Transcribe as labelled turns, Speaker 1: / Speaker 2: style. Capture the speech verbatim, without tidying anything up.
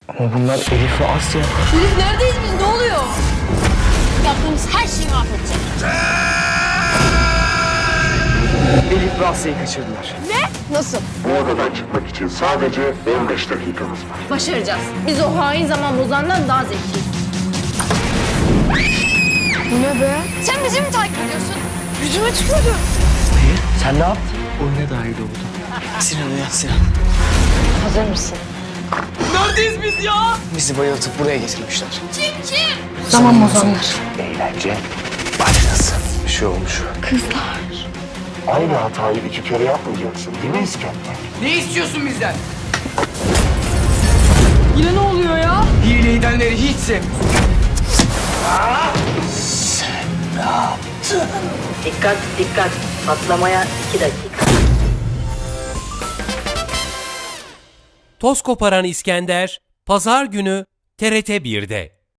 Speaker 1: Ama bunlar Elif ve Asya.
Speaker 2: Elif neredeyiz biz? Ne oluyor? Yaptığımız her şeyi mahvedecek.
Speaker 1: Elif ve Asya'yı kaçırdılar.
Speaker 2: Ne? Nasıl?
Speaker 3: Bu odadan çıkmak için sadece on beş dakikamız var.
Speaker 2: Başaracağız. Biz o hain zaman bozandan daha zekiyiz. Bu ne be? Sen bizi mi takip ediyorsun? Yüzüme tükürdü.
Speaker 1: Hayır, sen ne yaptın? Oyuna dahil oldun. Sinan uyan Sinan.
Speaker 2: Hazır mısın?
Speaker 1: Neredeyiz biz ya? Bizi bayıltıp buraya getirmişler.
Speaker 2: Kim kim?
Speaker 1: Zaman bozanlar. Eğlence başlasın. Bir şey olmuş.
Speaker 2: Kızlar.
Speaker 3: Aynı hatayı iki kere yapmayacaksın değil mi İskender?
Speaker 1: Ne istiyorsun bizden?
Speaker 2: Yine ne oluyor ya?
Speaker 1: Hile edenleri hiç sevmiyorum. Sen ne yaptın?
Speaker 4: Dikkat dikkat patlamaya iki dakika.
Speaker 5: Toz koparan İskender, Pazar günü T R T bir'de.